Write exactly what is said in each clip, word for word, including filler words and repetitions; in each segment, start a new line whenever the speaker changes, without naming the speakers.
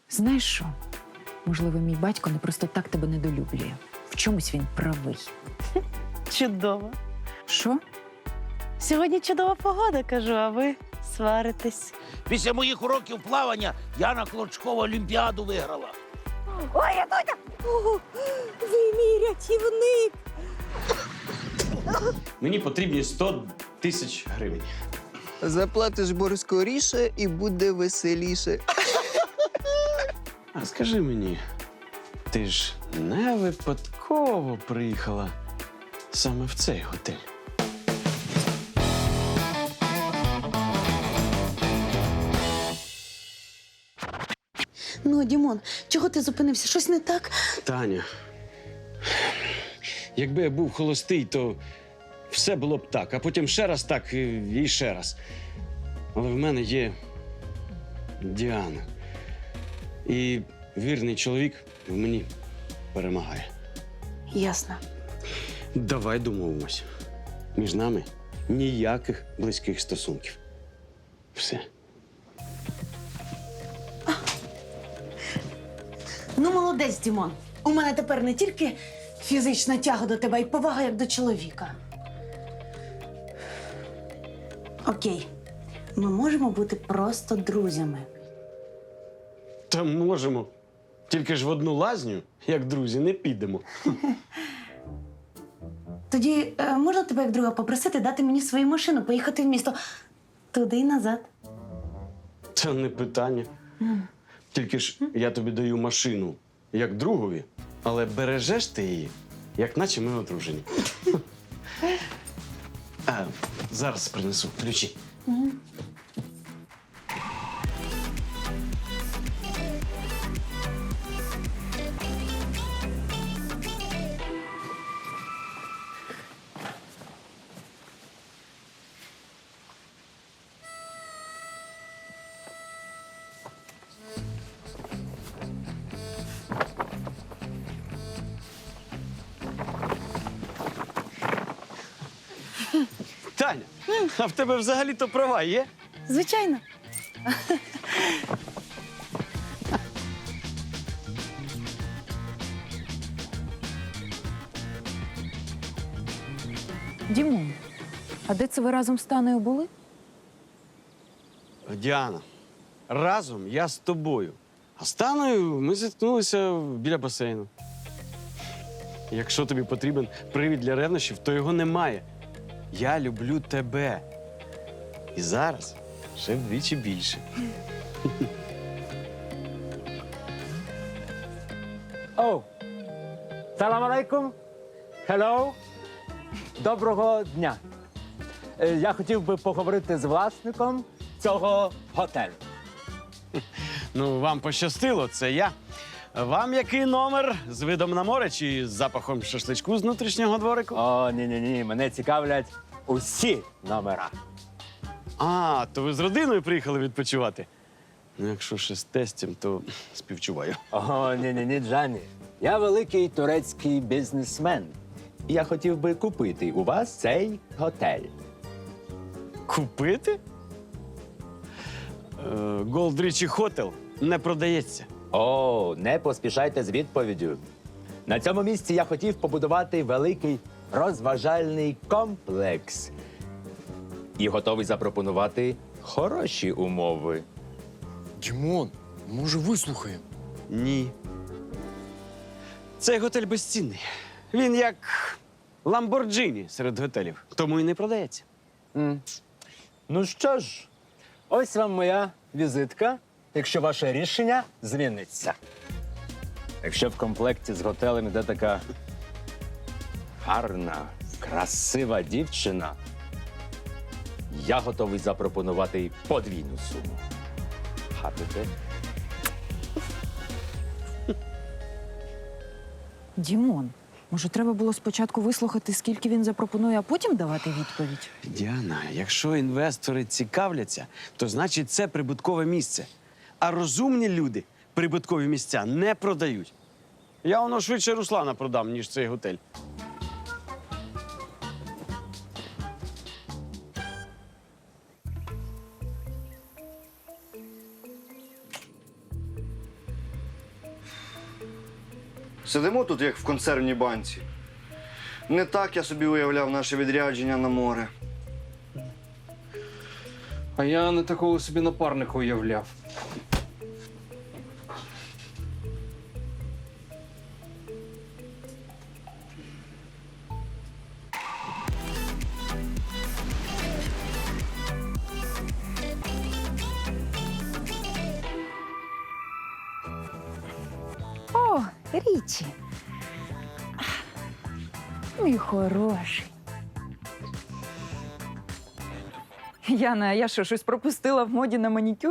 Знаєш що? Можливо, мій батько не просто так тебе недолюблює. В чомусь він правий.
Чудово.
Що?
Сьогодні чудова погода, кажу, а ви сваритесь.
Після моїх уроків плавання Яна Клочкова Олімпіаду виграла.
Ой, я Доня! О, ви мій рятівник!
Мені потрібні сто тисяч гривень.
Заплатиш борг скоріше і буде веселіше.
А скажи мені, ти ж не випадково приїхала саме в цей готель?
Ну, Дімон, чого ти зупинився? Щось не так?
Таня, якби я був холостий, то все було б так, а потім ще раз так і і ще раз. Але в мене є Діана. І вірний чоловік в мені перемагає.
Ясно.
Давай домовимось. Між нами ніяких близьких стосунків. Все.
Ну, молодець, Дімон. У мене тепер не тільки фізична тяга до тебе, а й повага як до чоловіка. Окей. Ми можемо бути просто друзями.
Та можемо. Тільки ж в одну лазню, як друзі, не підемо.
Тоді е, можна тебе як друга попросити дати мені свою машину, поїхати в місто туди і назад.
Це не питання. Тільки ж я тобі даю машину як другові, але бережеш ти її, як наче ми одружені. А, зараз принесу ключі. Таня, а в тебе взагалі-то права є?
Звичайно.
Дімон, а де це ви разом з Танею були?
Діана, разом я з тобою. А з Таною ми зіткнулися біля басейну. Якщо тобі потрібен привід для ревнощів, то його немає. Я люблю тебе. І зараз ще вдвічі більше.
Оу! Салам алейкум! Хеллоу! Доброго дня! Е, Я хотів би поговорити з власником цього готелю.
Ну, вам пощастило, це я. Вам який номер? З видом на море чи з запахом шашличку з внутрішнього дворику?
О, ні-ні-ні, мене цікавлять усі номера.
А, то ви з родиною приїхали відпочивати? Ну, якщо ще з тестем, то співчуваю.
О, ні-ні-ні, Джані. Я великий турецький бізнесмен. Я хотів би купити у вас цей готель.
Купити? Голд Річі Хотел не продається.
О, не поспішайте з відповіддю. На цьому місці я хотів побудувати великий розважальний комплекс. І готовий запропонувати хороші умови.
Дімон, може, вислухаємо?
Ні. Цей готель безцінний. Він як Ламборджині серед готелів. Тому і не продається.
М. Ну що ж, ось вам моя візитка, якщо ваше рішення зміниться. Якщо в комплекті з готелем йде така гарна, красива дівчина, я готовий запропонувати подвійну суму. Хапите?
Дімон, може, треба було спочатку вислухати, скільки він запропонує, а потім давати відповідь?
Діана, якщо інвестори цікавляться, то значить це прибуткове місце. А розумні люди прибуткові місця не продають. Я воно швидше Руслана продам, ніж цей готель.
Сидимо тут, як в консервній банці. Не так я собі уявляв наше відрядження на море.
А я не такого собі напарника уявляв.
О, Річі. Мій хороший. Яна, а я що, щось пропустила в моді на манікюр?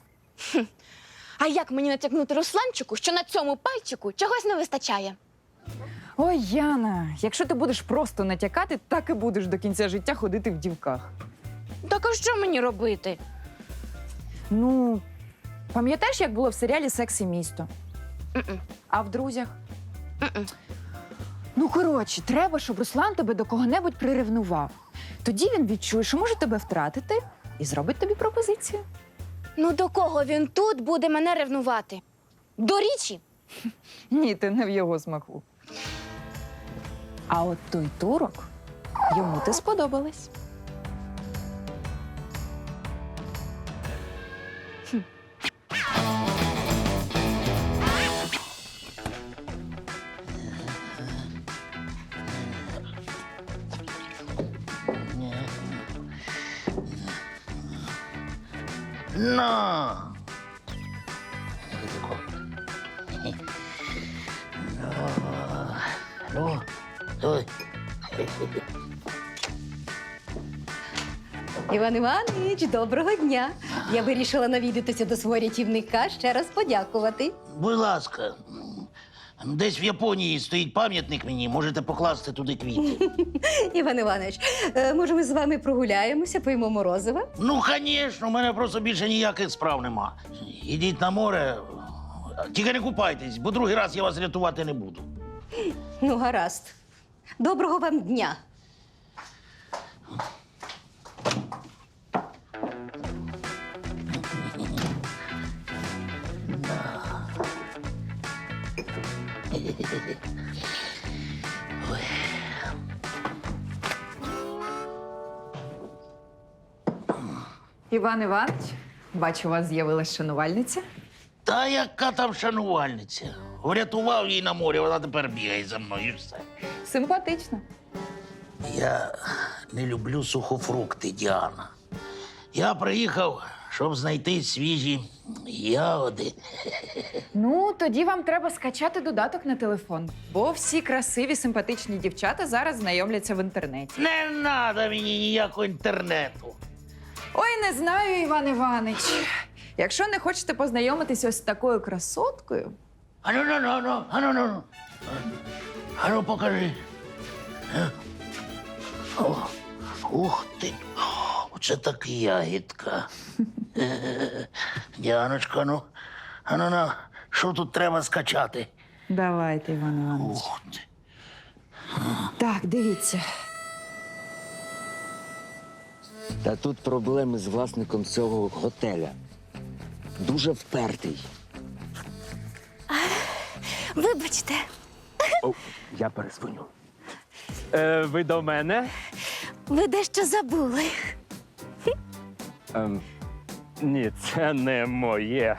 А як мені натякнути Русланчику, що на цьому пальчику чогось не вистачає?
Ой, Яна, якщо ти будеш просто натякати, так і будеш до кінця життя ходити в дівках.
Так а що мені робити?
Ну, пам'ятаєш, як було в серіалі «Секс і місто»?
М-м.
А в друзях?
М-м.
Ну, коротше, треба, щоб Руслан тебе до кого-небудь приревнував. Тоді він відчує, що може тебе втратити, і зробить тобі пропозицію.
Ну до кого він тут буде мене ревнувати? До Річі?
Ні, ти не в його смаку. А от той турок, йому ти сподобалась.
На! Ну, ой.
Іван Іванович, доброго дня. Я вирішила навідатися до свого рятівника, ще раз подякувати.
Будь ласка, десь в Японії стоїть пам'ятник мені, можете покласти туди квіти.
Іван Іванович, е, може, ми з вами прогуляємося, поїмо морозива?
Ну, звісно, у мене просто більше ніяких справ нема. Ідіть на море, тільки не купайтесь, бо другий раз я вас рятувати не буду.
Ну, гаразд. Доброго вам дня.
Іван Іванович, бачу, у вас з'явилась шанувальниця.
Та яка там шанувальниця? Врятував її на морі, вона тепер бігає за мною і все.
Симпатично.
Я не люблю сухофрукти, Діана. Я приїхав, щоб знайти свіжі ягоди.
Ну, тоді вам треба скачати додаток на телефон, бо всі красиві, симпатичні дівчата зараз знайомляться в інтернеті.
Не треба мені ніякого інтернету.
Ой, не знаю, Іван Іванович. Якщо не хочете познайомитися ось з такою красоткою,
Ану, ну, ну, ну, ану, ну, ну. Ану, покажи. Е? О, ух ти. Оце так ягідка. Е, Діаночка, ну, ану, ну, що тут треба скачати?
давайте, Іван Іванович.
Ух ти.
Так, дивіться.
Та тут проблеми з власником цього готеля. Дуже впертий.
Вибачте,
О, я перезвоню.
Е, ви до мене?
ви дещо забули.
Ем, ні, це не моє.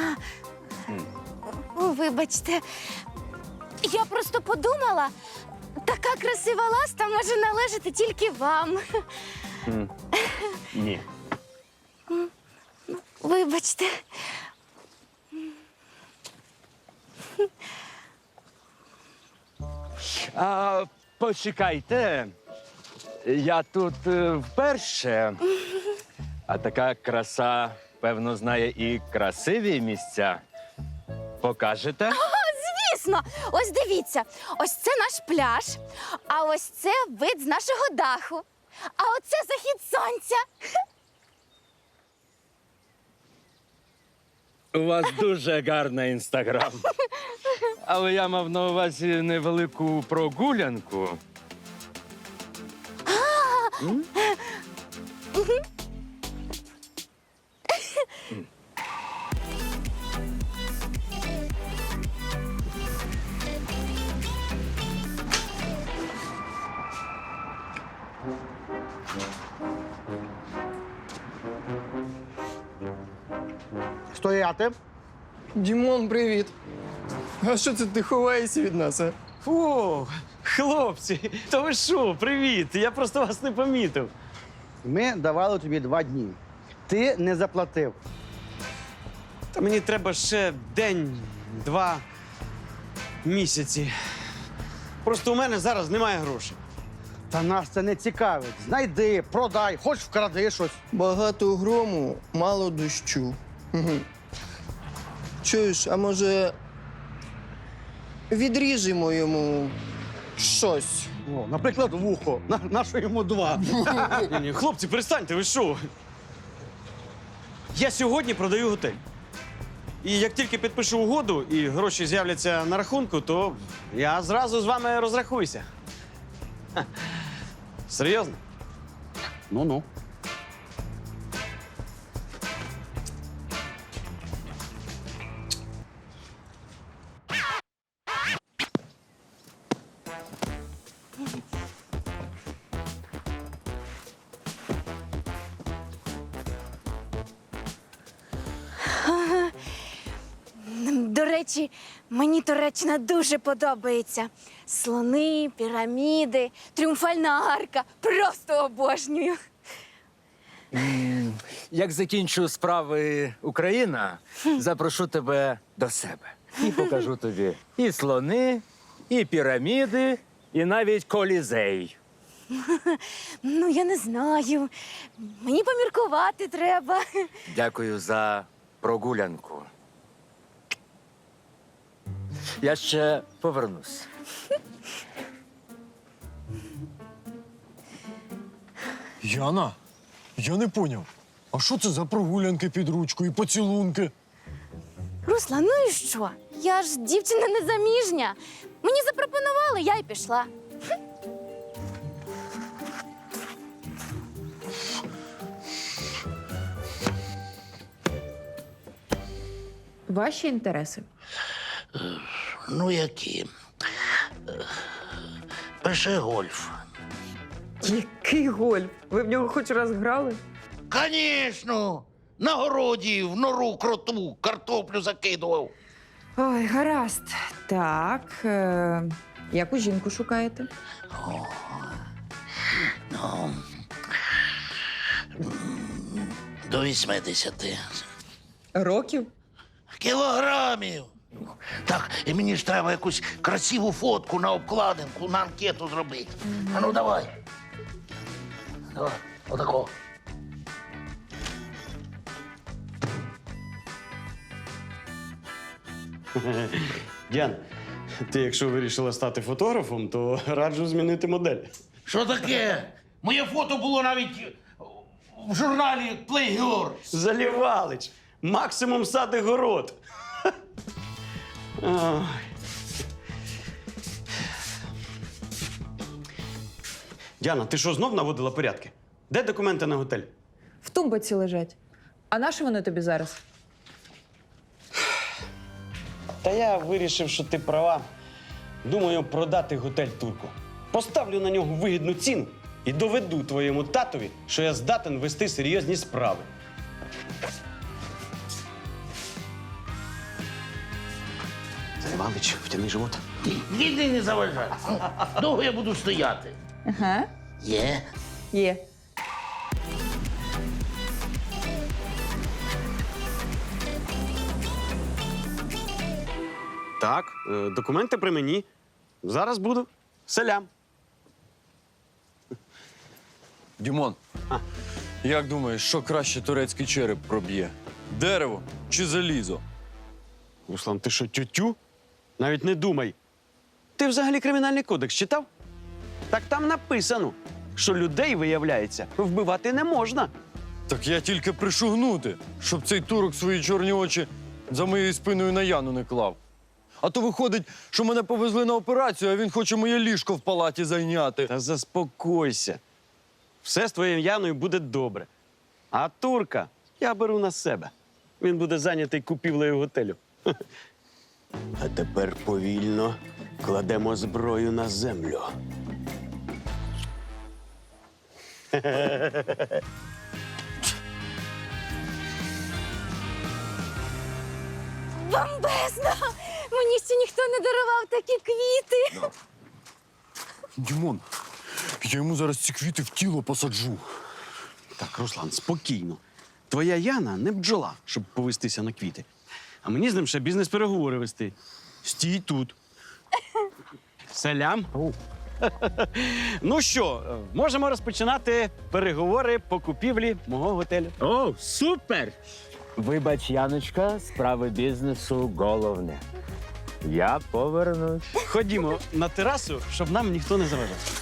Вибачте, я просто подумала, така красива ласта може належати тільки вам.
М, Ні.
Вибачте.
А, почекайте. Я тут е, вперше. А така краса, певно, знає і красиві місця. Покажете?
Звісно, ось дивіться, ось це наш пляж, а ось це вид з нашого даху. А оце захід сонця.
У вас дуже гарний інстаграм. Але я мав на увазі невелику прогулянку. М?
Стояти.
Дімон, привіт. А що це ти ховаєшся від нас, а?
О, хлопці, то ви що, привіт! Я просто вас не помітив.
Ми давали тобі два дні. Ти не заплатив.
Та мені треба ще день, два місяці. Просто у мене зараз немає грошей.
Та нас це не цікавить. Знайди, продай, хоч вкради щось.
Багато грому, мало дощу. Мгм. Чуєш, а може відріжемо йому щось?
О, наприклад, вухо. На, на що йому два?
Ні, ні, хлопці, перестаньте, ви що? Я сьогодні продаю готель. І як тільки підпишу угоду і гроші з'являться на рахунку, то я зразу з вами розрахуюся. Ха. Серйозно?
Ну-ну.
До речі, мені Туреччина дуже подобається. Слони, піраміди, тріумфальна арка. Просто обожнюю.
Як закінчу справи Україна, запрошу тебе до себе. І покажу тобі і слони, і піраміди, і навіть колізей.
Ну, я не знаю. Мені поміркувати треба.
Дякую за прогулянку. Я ще повернусь.
Яна, я не поняв. А що це за прогулянки під ручку і поцілунки?
Руслан, ну і що? Я ж дівчина незаміжня. Мені запропонували, я й пішла.
Ваші інтереси.
Ну, які? Е, Пише гольф.
Який гольф? Ви в нього хоч раз грали?
Звісно! На городі в нору кроту картоплю закидував.
Ой, гаразд. Так. Е- яку жінку шукаєте?
О, ну, до вісімдесяти.
Років?
Кілограмів. Так, і мені ж треба якусь красиву фотку на обкладинку, на анкету зробити. А ну давай. Давай, отако.
Діан, ти якщо вирішила стати фотографом, то раджу змінити модель.
Що таке? Моє фото було навіть в журналі Playgirl.
Залівалич. Максимум сад і город. Ой. Діана, ти що, знов наводила порядки? Де документи на готель?
В тумбаці лежать. А на що вони тобі зараз?
Та я вирішив, що ти права. Думаю, продати готель турку. Поставлю на нього вигідну ціну і доведу твоєму татові, що я здатен вести серйозні справи. Залівалич, втяни живот.
Ніди не заважай. Довго я буду стояти.
Ага.
Є.
Є.
Так, е, документи при мені. Зараз буду. Селям.
Дімон,
А.
як думаєш, що краще турецький череп проб'є? Дерево чи залізо?
Руслан, ти що, тютю? Навіть не думай. Ти взагалі кримінальний кодекс читав? Так там написано, що людей, виявляється, вбивати не можна.
Так я тільки пришугнути, щоб цей турок свої чорні очі за моєю спиною на Яну не клав. А то виходить, що мене повезли на операцію, а він хоче моє ліжко в палаті зайняти.
Та заспокойся. Все з твоєю Яною буде добре. А турка я беру на себе. Він буде зайнятий купівлею готелю. А тепер повільно кладемо зброю на землю.
Бомбезно! Мені ще ніхто не дарував такі квіти.
Дімон, я йому зараз ці квіти в тіло посаджу.
Так, Руслан, спокійно. Твоя Яна не бджола, щоб повестися на квіти. А мені з ним ще бізнес-переговори вести. Стій тут. Салям. Ну що, можемо розпочинати переговори по купівлі мого готелю.
О, супер! Вибач, Яночка, справи бізнесу головне. Я повернусь.
Ходімо на терасу, щоб нам ніхто не заважав.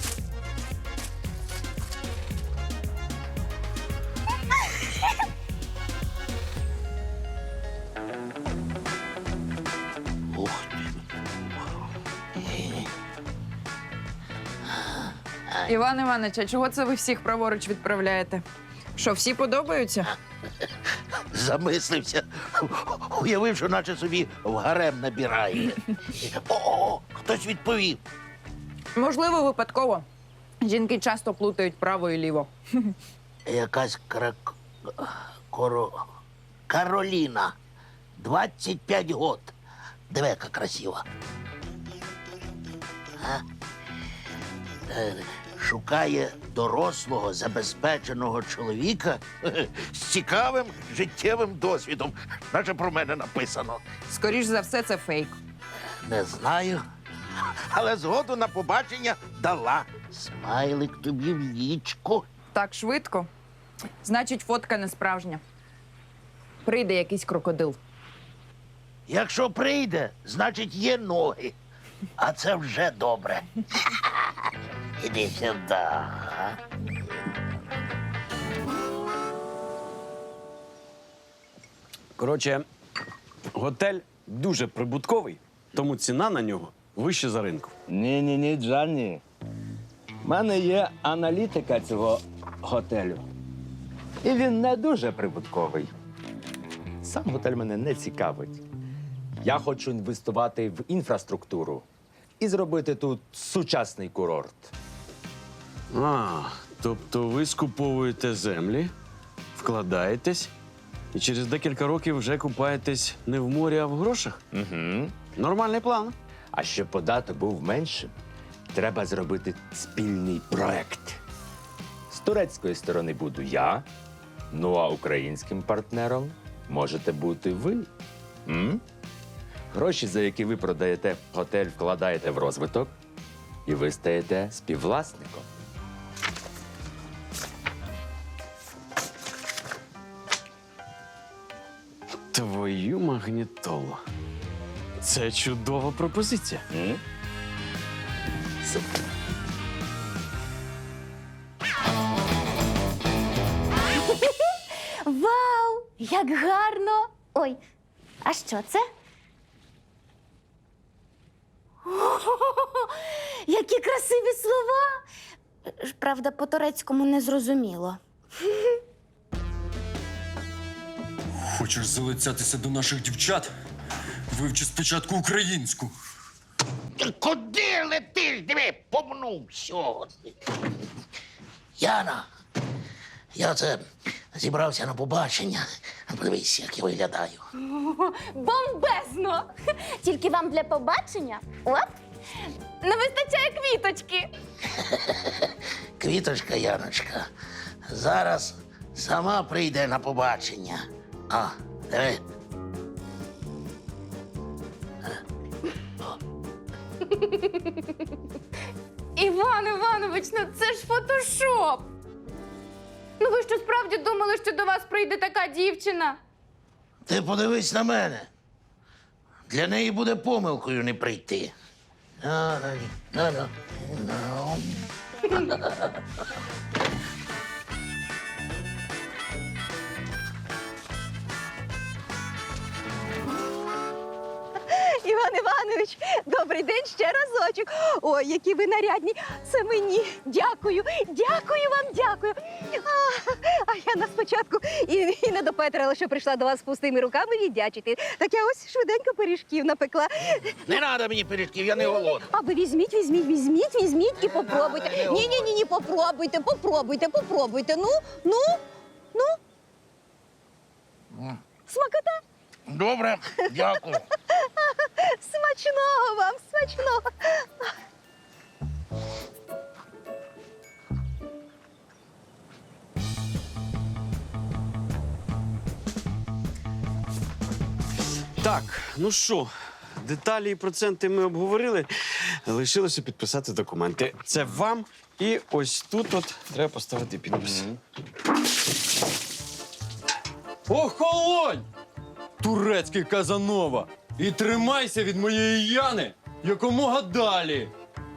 Ух ти.
Іван Іванович, а чого це ви всіх праворуч відправляєте? Що, всі подобаються?
Замислився. Уявив, що наче собі в гарем набирає. О, хтось відповів.
Можливо, випадково. Жінки часто плутають право і ліво.
Якась крак... Коро... Кароліна. двадцять п'ять год. Диви, яка красива. А? Е, Шукає дорослого, забезпеченого чоловіка з цікавим життєвим досвідом. Наче про мене написано.
Скоріш за все, це фейк.
Не знаю. Але згоду на побачення дала. Смайлик тобі в лічку.
Так швидко. Значить, фотка не справжня. Прийде якийсь крокодил.
Якщо прийде, значить є ноги. А це вже добре. Іди сюди.
Коротше, готель дуже прибутковий, тому ціна на нього вища за ринку.
Ні-ні-ні, Джанні. У мене є аналітика цього готелю. І він не дуже прибутковий. Сам готель мене не цікавить. Я хочу інвестувати в інфраструктуру і зробити тут сучасний курорт.
А, тобто ви скуповуєте землі, вкладаєтесь і через декілька років вже купаєтесь не в морі, а в грошах?
Угу.
Нормальний план.
А щоб податок був меншим, треба зробити спільний проект. З турецької сторони буду я, ну а українським партнером можете бути ви. М? Гроші, за які ви продаєте готель, вкладаєте в розвиток, і ви стаєте співвласником.
Твою магнітолу. Це чудова пропозиція.
М? Супер.
Вау! Як гарно! Ой, а що це? О, які красиві слова! Правда, по-турецькому не зрозуміло.
Хочеш залицятися до наших дівчат? Вивчи спочатку українську.
Ти куди летиш? Диви, помнувся. Яна, я це зібрався на побачення. Подивись, як я виглядаю.
Бомбезно! Тільки вам для побачення, оп, не вистачає квіточки.
Квіточка, Яночка, зараз сама прийде на побачення. А, диви.
Іван Іванович, ну це ж фотошоп. Ну ви що справді думали, що до вас прийде така дівчина?
Ти подивись на мене. Для неї буде помилкою не прийти. А, ну, ну, ну.
Іван Іванович, добрий день ще разочок. Ой, які ви нарядні. Це мені. Дякую, дякую вам, дякую. А, а я на спочатку і, і не допетрила, що прийшла до вас з пустими руками віддячити. Так я ось швиденько пиріжків напекла.
Не треба мені пиріжків, я не голодний.
А ви візьміть, візьміть, візьміть, візьміть і попробуйте. Ні, ні, ні, ні, попробуйте, попробуйте, попробуйте. Ну, ну, ну. Смакота.
Добре, дякую.
Смачного вам, смачного.
Так, ну що, деталі і проценти ми обговорили. Лишилося підписати документи. Це вам. І ось тут от треба поставити підпис.
Охолонь! Турецький Казанова! І тримайся від моєї Яни якомога далі!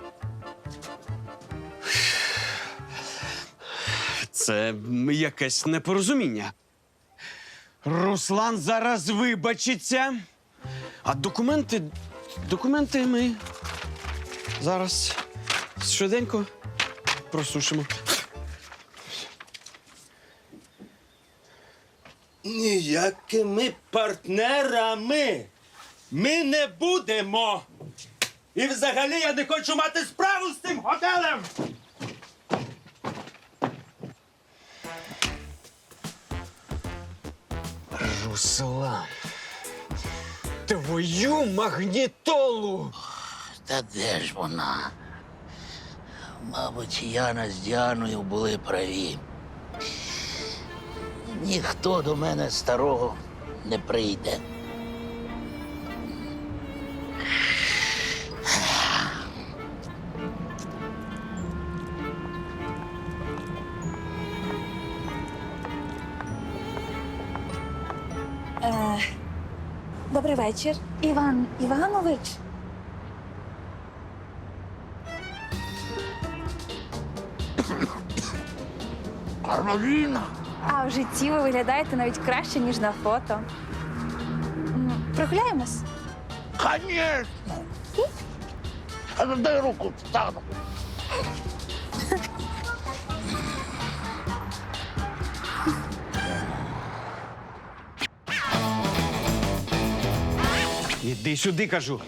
Це якесь непорозуміння. Руслан зараз вибачиться. А документи. Документи ми зараз швиденько просушимо.
Ніякими партнерами ми не будемо. І взагалі я не хочу мати справу з цим готелем.
Руслан. Твою магнітолу!
Та де ж вона? Мабуть, Яна з Діаною були праві. Ніхто до мене старого не прийде.
Е, добрий вечір. Іван Іванович.
Кароліна!
А в житті ви виглядаєте навіть краще, ніж на фото. М, Прогуляємось?
Конечно! А ну дай руку, встану.
Іди сюди, кажу.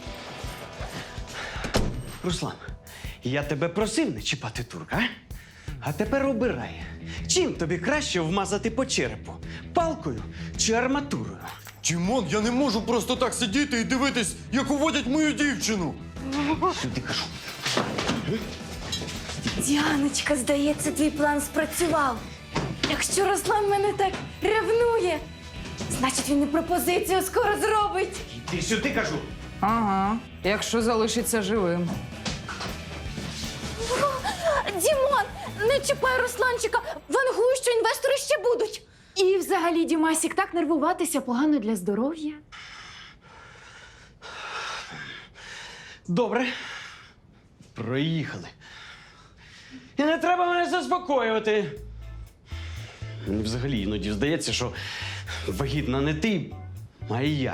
Руслан, я тебе просив не чіпати турка, а? А тепер обирай. Чим тобі краще вмазати по черепу? Палкою чи арматурою?
Дімон, я не можу просто так сидіти і дивитись, як уводять мою дівчину.
Сюди кажу.
Діаночка, здається, твій план спрацював. Якщо Руслан мене так ревнує, значить він і пропозицію скоро зробить.
Іди сюди, кажу.
Ага, якщо залишиться живим.
Дімон, не чіпай Русланчика, вангую, що інвестори ще будуть.
І взагалі, Дімасік, так нервуватися погано для здоров'я.
Добре. Проїхали. І не треба мене заспокоювати. Мені взагалі іноді здається, що вагітна не ти, а я.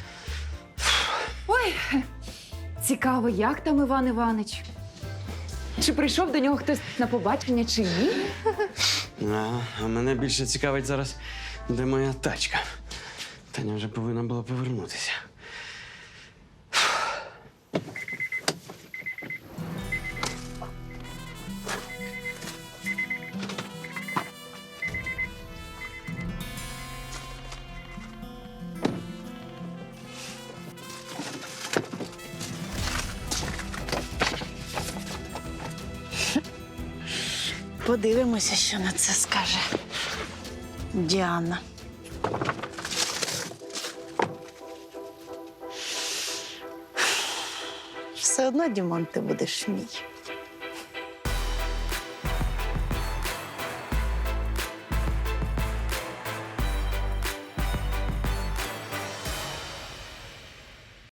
Ой, цікаво, як там Іван Іванич? Чи прийшов до нього хтось на побачення, чи ні?
А, а мене більше цікавить зараз, де моя тачка. Таня вже повинна була повернутися.
Подивимося, що на це скаже Діана. Все одно, Дімон, ти будеш мій.